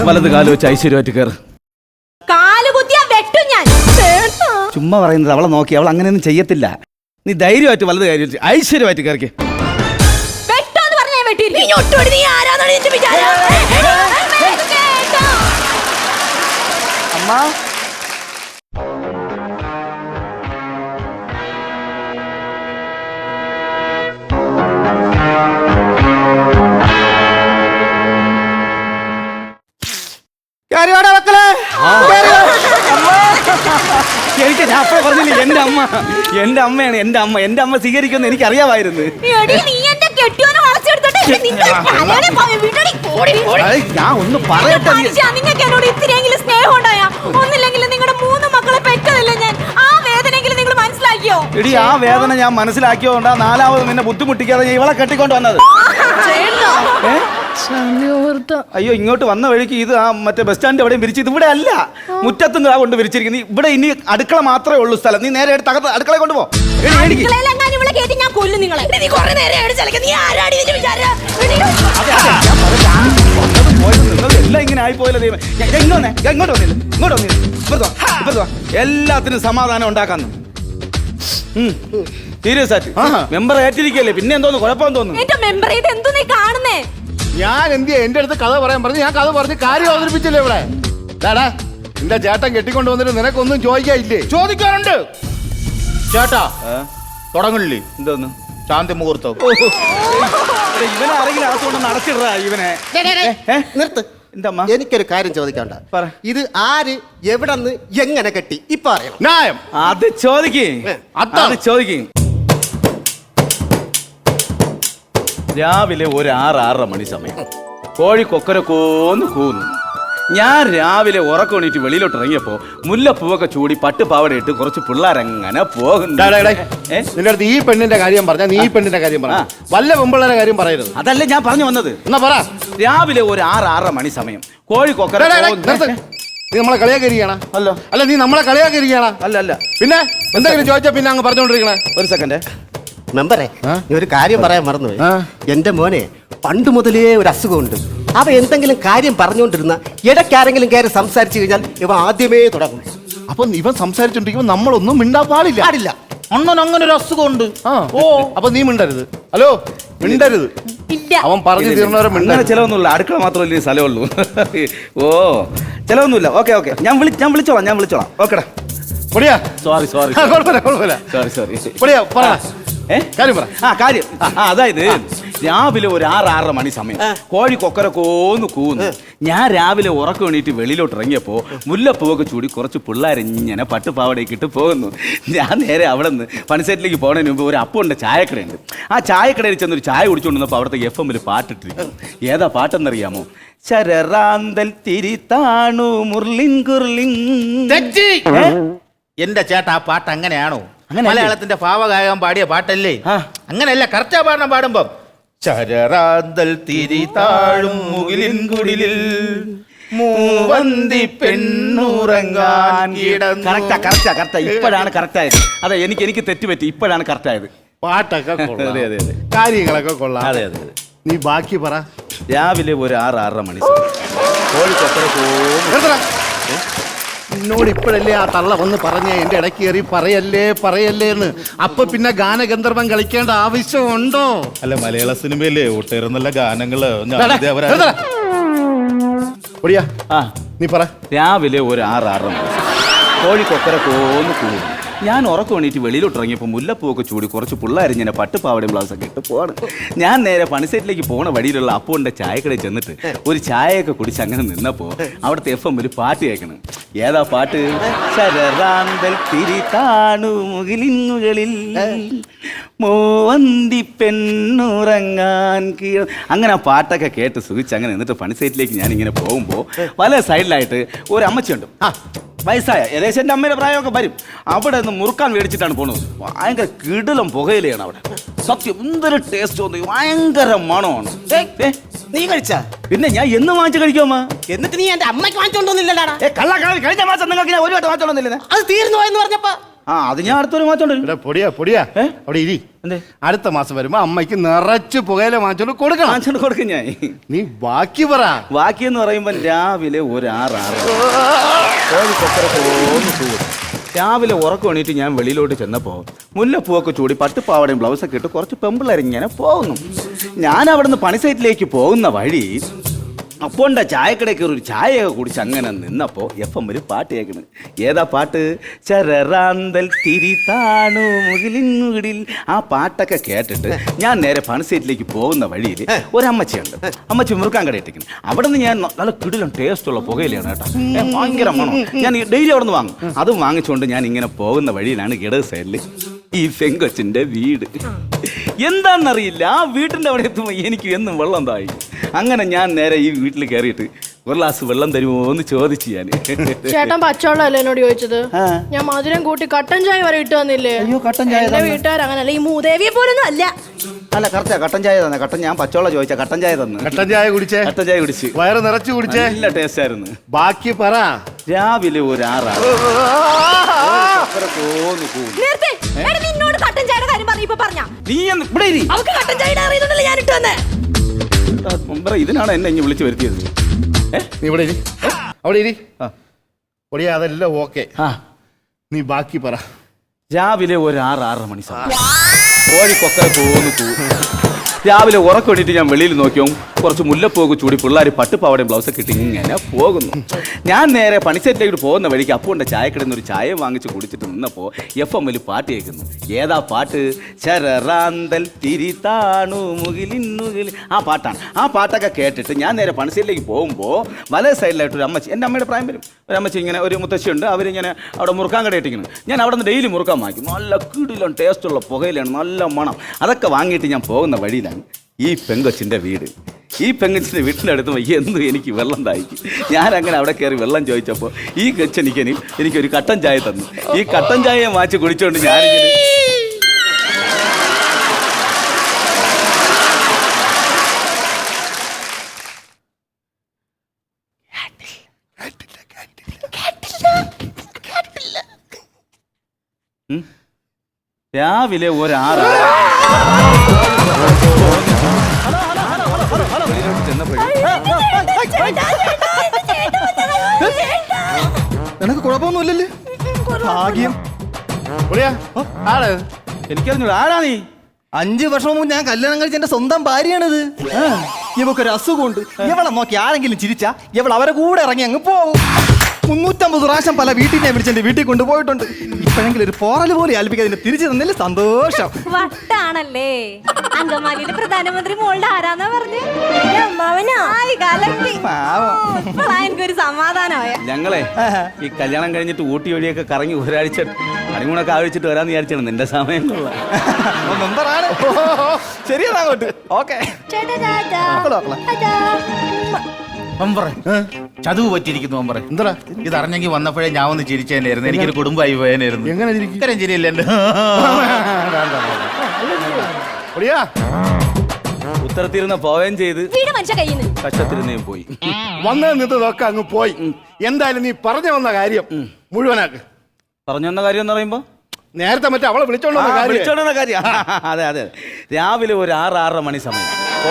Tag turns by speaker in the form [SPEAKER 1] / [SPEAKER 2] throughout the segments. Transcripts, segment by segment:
[SPEAKER 1] വലത് കാല് വെച്ച് ഐശ്വര്യമായിട്ട് കയറ്. ചുമ്മാ പറയുന്നത്. അവളെ നോക്കി, അവൾ അങ്ങനെയൊന്നും ചെയ്യത്തില്ല. നീ ധൈര്യമായിട്ട് വലത് കാര്യം വെച്ച് ഐശ്വര്യമായിട്ട് കയറിക്ക്. അമ്മ എനിക്ക് ഞാൻ അപ്പഴേ പറഞ്ഞില്ലേ, എന്റെ അമ്മയാണ്. എന്റെ അമ്മ സ്വീകരിക്കുമെന്ന് എനിക്ക് അറിയാമായിരുന്നു. ഞാൻ ഒന്ന് പറയട്ടെ,
[SPEAKER 2] നിങ്ങൾക്ക് എന്നോട് ഇത്തിരിയെങ്കിലും സ്നേഹം ഉണ്ടായ, ഒന്നില്ലെങ്കിൽ നിങ്ങളുടെ 3 മക്കളെ പെറ്റതല്ലേ ഞാൻ. ആ വേദനയെങ്കിലും നിങ്ങൾ മനസ്സിലാക്കിയോ?
[SPEAKER 1] എടി, ആ വേദന ഞാൻ മനസ്സിലാക്കിയോണ്ടാ 4ാമത് നിന്നെ ബുദ്ധിമുട്ടിക്കാതെ ഞാൻ ഇവളെ കെട്ടിക്കൊണ്ട് വന്നത്. അയ്യോ, ഇങ്ങോട്ട് വന്ന വഴിക്ക് ഇത് ആ മറ്റേ ബസ് സ്റ്റാൻഡ് എവിടെയും വിരിച്ചത് ഇവിടെ അല്ല, മുറ്റത്തും കൊണ്ട് വിരിച്ചിരിക്കുന്നത്. ഇവിടെ ഇനി അടുക്കള മാത്രമേ ഉള്ളൂ സ്ഥലം. നീ നേരെ തകർത്ത് അടുക്കള കൊണ്ടുപോ. എല്ലാം ഇങ്ങനെ ആയിപ്പോയല്ലോ ദൈവം. ഇങ്ങോട്ട് വന്നില്ല. എല്ലാത്തിനും സമാധാനം ഉണ്ടാക്കാന്ന് സീരിയസ് ആയിട്ട് മെമ്പർ ഏറ്റിരിക്കല്ലേ, പിന്നെ എന്തോന്ന് കുഴപ്പം തോന്നുന്നു.
[SPEAKER 3] ഞാൻ എന്തിയാ എന്റെ അടുത്ത് കഥ പറയാൻ പറഞ്ഞു? ഞാൻ കഥ പറഞ്ഞ് കാര്യം അവതരിപ്പിച്ചില്ലേ ഇവിടെ. ഡാടാ, എന്റെ ചേട്ടൻ കെട്ടിക്കൊണ്ട് വന്നിട്ട് നിനക്കൊന്നും ചോദിക്കാനില്ലേ?
[SPEAKER 4] ചോദിക്കാറുണ്ട് ചേട്ടാ. തുടങ്ങില്ലേ
[SPEAKER 1] എന്തോന്ന്
[SPEAKER 4] ശാന്തി മുഹൂർത്തം?
[SPEAKER 1] ഇവനെ ആരെങ്കിലും അകത്തുകൊണ്ട് നടച്ചിടാ ഇവനെ.
[SPEAKER 5] നിർത്ത്. എനിക്കൊരു കാര്യം ചോദിക്കണ്ട. ഇത് ആര്, എവിടെന്ന്, എങ്ങനെ കെട്ടി ഇപ്പൊ അറിയണം.
[SPEAKER 3] ന്യായം
[SPEAKER 1] അത് ചോദിക്കേ. രാവിലെ ഒരു 6-6:30 മണി സമയം കോഴി കൊക്കരക്കോന്ന് കൂന്നു. ഞാൻ രാവിലെ ഉറക്കം എണീറ്റ് വെളിയിലോട്ട് ഇറങ്ങിയപ്പോ മുല്ലപ്പൂവൊക്കെ ചൂടി പട്ടുപാവട ഇട്ട് കുറച്ച് പിള്ളേരങ്ങനെ പോകുന്നു.
[SPEAKER 3] നിന്റെ അടുത്ത് ഈ പെണ്ണിന്റെ കാര്യം പറഞ്ഞ, നീ ഈ പെണ്ണിന്റെ കാര്യം പറഞ്ഞ, വല്ല പെമ്പിള്ളേരെ കാര്യം പറയരുത്.
[SPEAKER 1] അതല്ലേ ഞാൻ പറഞ്ഞു വന്നത്.
[SPEAKER 3] എന്നാ പറ.
[SPEAKER 1] രാവിലെ ഒരു 6-6:30 മണി സമയം കോഴി കൊക്കര.
[SPEAKER 3] നീ നമ്മളെ കളിയാക്കിയിരിക്കണ? അല്ല, നീ നമ്മളെ കളിയാക്കിയിരിക്കണ?
[SPEAKER 1] അല്ല.
[SPEAKER 3] പിന്നെ എന്തെങ്കിലും ചോദിച്ചാ പിന്നെ അങ്ങ് പറഞ്ഞോണ്ടിരിക്കണേ.
[SPEAKER 1] ഒരു സെക്കൻഡ്
[SPEAKER 5] മെമ്പറെ, നീ ഒരു കാര്യം പറയാൻ മറന്നുപോയി. എന്റെ മോനെ പണ്ട് മുതലേ ഒരു അസുഖമുണ്ട്. അവ എന്തെങ്കിലും കാര്യം പറഞ്ഞുകൊണ്ടിരുന്ന ഇടയ്ക്കാരെങ്കിലും കയറി സംസാരിച്ചു കഴിഞ്ഞാൽ ഇവ ആദ്യമേ തുടങ്ങും.
[SPEAKER 3] അപ്പൊ ഇവൻ സംസാരിച്ചോണ്ടിരിക്കുമ്പോ നമ്മളൊന്നും മിണ്ടാൻ പാടില്ല.
[SPEAKER 4] അണ്ണൻ അങ്ങനെ ഒരു അസുഖമുണ്ട്.
[SPEAKER 3] ഓ, അപ്പൊ നീ മിണ്ടരുത്. ഹലോ, മിണ്ടരുത്. അവൻ പറഞ്ഞു തീർന്നവരെ മിണ്ടരുത്.
[SPEAKER 1] ചിലവൊന്നുമില്ല, അടുക്കള മാത്രമല്ലേ സ്ഥലമുള്ളൂ. ഓ, ചിലവൊന്നുമില്ല. ഓക്കെ, ഞാൻ വിളിച്ചോളാം. ഓക്കെടാ. കാര്യം അതായത് രാവിലെ ഒരു 6-6:30 മണി സമയം കോഴി കൊക്കരക്കോന്ന് കൂന്നു. ഞാൻ രാവിലെ ഉറക്കം എണീറ്റ് വെളിയിലോട്ട് ഇറങ്ങിയപ്പോ മുല്ലപ്പൂവൊക്കെ ചൂടി കുറച്ച് പിള്ളേരിങ്ങനെ പട്ടുപാവടയൊക്കെ ഇട്ട് പോകുന്നു. ഞാൻ നേരെ അവിടെ നിന്ന് പണിസെറ്റിലേക്ക് പോകുന്നതിന് മുമ്പ് ഒരു അപ്പുണ്ട്, ചായക്കടയുണ്ട്. ആ ചായക്കടയിൽ ചെന്നൊരു ചായ കുടിച്ചുകൊണ്ടിരുന്നപ്പോൾ അവിടുത്തെ FM പാട്ടിട്ടിരിക്കുന്നു. ഏതാ പാട്ടെന്നറിയാമോ? ശരറാന്തൽ തിരിത്താണു മുർലിൻ കുർലിൻ.
[SPEAKER 4] എന്റെ ചേട്ടാ, ആ പാട്ട് അങ്ങനെയാണോ? മലയാളത്തിന്റെ ഭാവഗായകൻ പാടിയ പാട്ടല്ലേ? അങ്ങനെയല്ല, കറക്റ്റാ പാടണം. പാടുമ്പം ശരറാന്തൽ തിരി താഴും മുകിലിൻ കുടിലിൽ മൂവന്തി പെണ്ണുറങ്ങാൻ.
[SPEAKER 1] കറക്റ്റാ. ഇപ്പോഴാണ് കറക്റ്റായത്. അതെ, എനിക്ക് തെറ്റുപറ്റി. ഇപ്പോഴാണ് കറക്റ്റായത്.
[SPEAKER 3] പാട്ടൊക്കെ കാര്യങ്ങളൊക്കെ കൊള്ളാം.
[SPEAKER 1] അതെ.
[SPEAKER 3] നീ ബാക്കി പറ.
[SPEAKER 1] രാവിലെ ഒരു 6-6:30 മണി കോഴി കൊക്കര പോകുന്നു.
[SPEAKER 3] എന്നോട് ഇപ്പോഴല്ലേ ആ തള്ള വന്ന് പറഞ്ഞ എന്റെ ഇടയ്ക്ക് കയറി പറയല്ലേ എന്ന്. അപ്പൊ പിന്നെ ഗാനഗന്ധർവം കളിക്കേണ്ട ആവശ്യമുണ്ടോ?
[SPEAKER 4] അല്ല, മലയാള സിനിമയിലെ ഒട്ടേറെ നല്ല ഗാനങ്ങള്.
[SPEAKER 3] നീ പറ.
[SPEAKER 1] രാവിലെ ഒരു 6-6:30 മണി കോഴി കൊക്കര പോകുന്നു. ഞാൻ ഉറക്കം എണീറ്റ് വെളിയിലോട്ട് ഇറങ്ങിയപ്പോൾ മുല്ലപ്പൂവൊക്കെ ചൂടി കുറച്ച് പിള്ളേരിങ്ങനെ പട്ടുപാവടയും ബ്ലൗസൊക്കെ ഇട്ട് പോവാണ്. ഞാൻ നേരെ പണിസെറ്റിലേക്ക് പോണ വഴിയിലുള്ള അപ്പുവിൻ്റെ ചായക്കടയിൽ ചെന്നിട്ട് ഒരു ചായയൊക്കെ കുടിച്ച് അങ്ങനെ നിന്നപ്പോൾ അവിടുത്തെ FM ഒരു പാട്ട് കേൾക്കണം. ഏതാ പാട്ട്? ശരറാന്തൽ തിരി താണു മുകിലിൻ മുകളിൽ മൂവന്തി പെണ്ണുറങ്ങാൻ കീഴ. അങ്ങനെ ആ പാട്ടൊക്കെ കേട്ട് സുഖിച്ച് അങ്ങനെ എന്നിട്ട് പണിസെറ്റിലേക്ക് ഞാനിങ്ങനെ പോകുമ്പോൾ പല സൈഡിലായിട്ട് ഒരു അമ്മച്ചിയുണ്ട്. വയസ്സായ ഏകദേശം എൻ്റെ അമ്മയുടെ പ്രായമൊക്കെ വരും. അവിടെ നിന്ന് മുറുക്കാൻ മേടിച്ചിട്ടാണ് പോണത്. ഭയങ്കര കിടിലം പുകയിലാണ് അവിടെ. സത്യം എന്തൊരു ടേസ്റ്റ് തോന്നി, ഭയങ്കര മണമാണ്.
[SPEAKER 5] നീ കഴിച്ചാ?
[SPEAKER 1] പിന്നെ ഞാൻ എന്ന് വാങ്ങിച്ച് കഴിക്കുമ്മ.
[SPEAKER 5] എന്നിട്ട് നീ എന്റെ അമ്മയ്ക്ക് വാങ്ങിച്ചോണ്ടോന്നില്ലടാ?
[SPEAKER 1] കഴിഞ്ഞ മാസം നിങ്ങൾക്ക് ഞാൻ ഒരു വട്ടം വാങ്ങിച്ചോണ്ടില്ലേ?
[SPEAKER 5] അത് തീർന്നു പോയെന്ന് പറഞ്ഞപ്പോ
[SPEAKER 1] ആ അത് ഞാൻ അടുത്തൊരു മാസം
[SPEAKER 3] ഇവിടെ പൊടിയാ പൊടിയാ
[SPEAKER 1] ഏ?
[SPEAKER 3] അവിടെ ഇരി.
[SPEAKER 1] എന്തേ
[SPEAKER 3] അടുത്ത മാസം വരുമ്പോ അമ്മയ്ക്ക് നിറച്ച് പുകയില വാങ്ങിച്ചോണ്ട് കൊടുക്കണം.
[SPEAKER 1] വാങ്ങിച്ചോണ്ട് കൊടുക്കും ഞാൻ.
[SPEAKER 3] നീ ബാക്കി പറ.
[SPEAKER 1] ബാക്കി എന്ന് പറയുമ്പോൾ രാവിലെ ഒരു 6 കോഴി കൊക്കര പോന്ന് ചൂട്. രാവിലെ ഉറക്കം എണീറ്റ് ഞാൻ വെളിയിലോട്ട് ചെന്നപ്പോൾ മുല്ലപ്പൂവൊക്കെ ചൂടി പട്ടുപ്പാവടയും ബ്ലൗസൊക്കെ ഇട്ട് കുറച്ച് പെമ്പിള്ളേരിങ്ങനെ പോകുന്നു. ഞാൻ അവിടുന്ന് പണി സൈറ്റിലേക്ക് പോകുന്ന വഴി അപ്പോണ്ട ചായക്കടയിൽ ഒരു ചായയൊക്കെ കുടിച്ച് അങ്ങനെ നിന്നപ്പോൾ FM ഒരു പാട്ട് കേൾക്കണ്. ഏതാ പാട്ട്? ചരറാന്തൽ തിരിതാണു മുകിലിന്നുകിടിൽ. ആ പാട്ടൊക്കെ കേട്ടിട്ട് ഞാൻ നേരെ പണി സൈറ്റിലേക്ക് പോകുന്ന വഴിയിൽ ഒരമ്മച്ചിയുണ്ട്. അമ്മച്ചി മുറുക്കാൻ കട ഇട്ടിരിക്കുന്നു. അവിടെ നിന്ന് ഞാൻ നല്ല കിടിലം ടേസ്റ്റുള്ള പുകയിലാണ് കേട്ടോ, ഭയങ്കര മണം. ഞാൻ ഡെയിലി അവിടെ നിന്ന് വാങ്ങും. അതും വാങ്ങിച്ചുകൊണ്ട് ഞാൻ ഇങ്ങനെ പോകുന്ന വഴിയിലാണ് ഇടത് സൈഡിൽ ഈ പെങ്കൊച്ചിൻ്റെ വീട്. എന്താണെന്നറിയില്ല, ആ വീട്ടിൻ്റെ അവിടെ എത്തുമ്പോൾ എനിക്ക് എന്നും വെള്ളം തായി. അങ്ങനെ ഞാൻ നേരെ ഈ വീട്ടിൽ കയറിയിട്ട് ഒരു ഗ്ലാസ് വെള്ളം തരുമോ എന്ന് ചോദിച്ചു ഞാൻ.
[SPEAKER 6] ചേട്ടൻ പച്ചവെള്ളമല്ലേ എന്നോട് ചോദിച്ചത്? ഞാൻ മധുരം കൂട്ടി കട്ടൻ ചായ വരെ ഇട്ട് തന്നില്ലേ?
[SPEAKER 1] അയ്യോ, കട്ടൻ ചായ
[SPEAKER 6] എന്റെ വീട്ടുകാർ അങ്ങനല്ല, ഈ മൂദേവിയെ പോലൊന്നും അല്ല.
[SPEAKER 1] അല്ല കറക്റ്റാ, കട്ടൻ ചായ തന്നെ. കട്ടൻ ഞാൻ പച്ചവെള്ളം ചോദിച്ചാ കട്ടൻ ചായ തന്നു.
[SPEAKER 3] കട്ടൻ ചായ കുടിച്ചേ?
[SPEAKER 1] കട്ടൻ ചായ കുടിച്ച്
[SPEAKER 3] വയറ് നിറച്ച് കുടിച്ചേ?
[SPEAKER 1] നല്ല ടേസ്റ്റ് ആയിരുന്നു.
[SPEAKER 3] ബാക്കി പറ.
[SPEAKER 1] രാവിലെ ഒരു 6
[SPEAKER 2] നേരത്തെ എടാ, നിന്നോട് കട്ടൻ ചായയുടെ കാര്യം പറഞ്ഞപ്പോ പറഞ്ഞ
[SPEAKER 1] നീ എന്ന് ഇവിടെ ഇരി.
[SPEAKER 2] അവൾക്ക് കട്ടൻ ചായയുടെ അറിയുന്നുണ്ടല്ലോ ഞാൻ ഇട്ട് വന്നേ.
[SPEAKER 1] മുമ്പേ ഇതിനാണ് എന്നെ ഇങ്ങനെ വിളിച്ച് വരുത്തിയത്.
[SPEAKER 3] നീ ഇവിടെ ഇരി, അവിടെ ഇരി. പൊടിയാ അതെല്ലാം ഓക്കെ. നീ ബാക്കി പറ.
[SPEAKER 1] രാവിലെ ഒരു 6-6:30 മണി സമയം കോഴി കൊക്കര പോകുന്നു. രാവിലെ ഉറക്കൊണ്ടിട്ട് ഞാൻ വെളിയിൽ നോക്കിയോ കുറച്ച് മുല്ലപ്പൂവ് ചൂടി പിള്ളേർ പട്ടുപ്പാവടയും ബ്ലൗസൊക്കെ ഇട്ട് ഇങ്ങനെ പോകുന്നു. ഞാൻ നേരെ പണിസെറ്റിലേക്ക് പോകുന്ന വഴിക്ക് അപ്പൂൻ്റെ ചായക്കടയിൽ നിന്ന് ഒരു ചായ വാങ്ങിച്ച് കുടിച്ചിട്ട് നിന്നപ്പോൾ FM പാട്ട് കേൾക്കുന്നു. ഏതാ പാട്ട്? ചരറാന്തൽ തിരിതാണു മുകിലിന്നുകിൽ. ആ പാട്ടാണ്. ആ പാട്ടൊക്കെ കേട്ടിട്ട് ഞാൻ നേരെ പണിസെറ്റിലേക്ക് പോകുമ്പോൾ വലേ സൈഡിലായിട്ട് ഒരു അമ്മച്ചി, എൻ്റെ അമ്മയുടെ പ്രായം വരും, ഒരു അമ്മച്ചി ഇങ്ങനെ ഒരു മുത്തശ്ശിയുണ്ട്. അവരിങ്ങനെ അവിടെ മുറുക്കാൻ കട ഇട്ടിരിക്കുന്നു. ഞാൻ അവിടെ നിന്ന് ഡെയിലി മുറുക്കാൻ വാങ്ങിക്കും. നല്ല കിടിലം ടേസ്റ്റുള്ള പുകയിലാണ്, നല്ല മണം. അതൊക്കെ വാങ്ങിയിട്ട് ഞാൻ പോകുന്ന വഴിയിലാണ് ഈ പെങ്കൊച്ചിൻ്റെ വീട്. ഈ പെങ്കൊച്ചിൻ്റെ വീട്ടിൻ്റെ അടുത്ത് എന്നും എനിക്ക് വെള്ളം തായിക്കും. ഞാനങ്ങനെ അവിടെ കയറി വെള്ളം ചോദിച്ചപ്പോൾ ഈ എനിക്കൊരു കട്ടൻ ചായ തന്നു. ഈ കട്ടൻ ചായ വാങ്ങിച്ച് കുടിച്ചുകൊണ്ട് ഞാനിങ്ങനെ രാവിലെ ഒരു 6
[SPEAKER 5] നിനക്ക് കുഴപ്പമൊന്നുമില്ലല്ലേ? ഭാഗ്യം.
[SPEAKER 1] എനിക്കറിഞ്ഞൂടാ ആരാ നീ.
[SPEAKER 5] 5 വർഷം മുമ്പ് ഞാൻ കല്യാണം കഴിച്ച എന്റെ സ്വന്തം ഭാര്യയാണിത്. ഇവക്കൊരു അസുഖമുണ്ട്. ഇവളെ നോക്കി ആരെങ്കിലും ചിരിച്ചാ ഇവൾ അവരെ കൂടെ ഇറങ്ങി അങ്ങ് പോകും. 350 പ്രാവശ്യം പല വീട്ടിൽ ഞാൻ വിളിച്ചെന്റെ വീട്ടിൽ കൊണ്ടുപോയിട്ടുണ്ട്. ഇപ്പോഴെങ്കിലും ഒരു പോറൽ പോലെ ആൽപ്പിക്കാതിന് തിരിച്ചു തന്നില്ല സന്തോഷം.
[SPEAKER 2] വട്ടാണല്ലേ. അങ്കമാലിയിലെ പ്രധാനമന്ത്രി മോളുടെ ആരാന്നാ പറഞ്ഞു? എനിക്കൊരു സമാധാനമായ.
[SPEAKER 1] ഞങ്ങളെ ഈ കല്യാണം കഴിഞ്ഞിട്ട് ഊട്ടി വഴിയൊക്കെ കറങ്ങി ഒരാഴ്ച അടിമൂണൊക്കെ ആവശ്യമായിട്ട് വരാന്ന് വിചാരിച്ചാണ്. നിന്റെ സമയം
[SPEAKER 5] മെമ്പറാണ്. ശരിയാങ്ങോട്ട്. ഓക്കെ.
[SPEAKER 4] ചതുവ് പറ്റിയിരിക്കുന്നു മെമ്പറെ.
[SPEAKER 3] എന്താ
[SPEAKER 4] ഇതറിഞ്ഞെങ്കിൽ വന്നപ്പോഴേ ഞാൻ ഒന്ന് ചിരിച്ചേനായിരുന്നു. എനിക്കൊരു കുടുംബമായി പോയനായിരുന്നു.
[SPEAKER 3] എങ്ങനെ
[SPEAKER 4] ഇത്തരം ചിരിയില്ല എന്റെ.
[SPEAKER 1] ഉത്തരത്തിരുന്ന പോവുകയും ചെയ്ത്
[SPEAKER 2] വീട് മനുഷ്യ കയ്യിൽ നിന്ന്
[SPEAKER 1] കഷ്ടത്തിരുന്നേയും പോയി.
[SPEAKER 3] വന്നത് നിന്നതൊക്കെ അങ്ങ് പോയി. എന്തായാലും നീ പറഞ്ഞു വന്ന കാര്യം മുഴുവനാക്ക്.
[SPEAKER 1] പറഞ്ഞു വന്ന കാര്യം എന്ന് പറയുമ്പോ
[SPEAKER 3] നേരത്തെ മറ്റേ അവളെ
[SPEAKER 1] വിളിച്ചോണ്ടുന്ന കാര്യം. അതെ അതെ. രാവിലെ ഒരു 6-6:30 മണി സമയം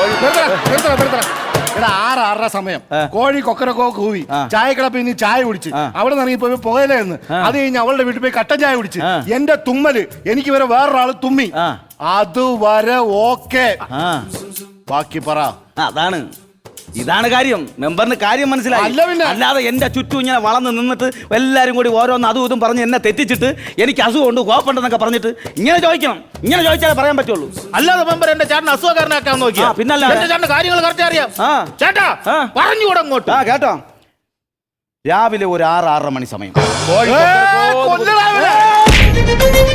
[SPEAKER 3] 6-6:30 സമയം കോഴി കൊക്കരക്കോ കൂവി ചായക്കടപ്പിൽ നീ ചായ കുടിച്ച് അവിടെ നിന്ന് ഇറങ്ങിപ്പോ പുകയിലെന്ന്. അത് കഴിഞ്ഞ് അവളുടെ വീട്ടിൽ പോയി കട്ടൻ ചായ കുടിച്ച് എന്റെ തുമ്മല് എനിക്ക് വരെ വേറൊരാള് തുമ്മി. അതുവരെ ഓക്കെ. ബാക്കി പറ.
[SPEAKER 1] അതാണ് ഇതാണ് കാര്യം. മെമ്പറിന് കാര്യം മനസ്സിലായി. അല്ലാതെ എന്റെ ചുറ്റും ഇങ്ങനെ വളർന്ന് നിന്നിട്ട് എല്ലാരും കൂടി ഓരോന്ന് അതും ഇതും പറഞ്ഞ് എന്നെ തെറ്റിച്ചിട്ട് എനിക്ക് അസുഖമുണ്ട് കോപ്പുണ്ടെന്നൊക്കെ പറഞ്ഞിട്ട് ഇങ്ങനെ ചോദിക്കണം. ഇങ്ങനെ ചോദിച്ചാലേ പറയാൻ പറ്റുള്ളൂ.
[SPEAKER 4] അല്ലാതെ മെമ്പർ എന്റെ ചേട്ടൻ അസുഖക്കാരനാക്കാൻ നോക്കിയാ
[SPEAKER 1] പിന്നല്ല
[SPEAKER 4] ചേട്ടന്റെ കാര്യങ്ങൾ കറക്റ്റ് അറിയാം. ചേട്ടാ പറഞ്ഞുകൂടെ അങ്ങോട്ട്.
[SPEAKER 1] കേട്ടോ, രാവിലെ ഒരു 6-6:30 മണി സമയം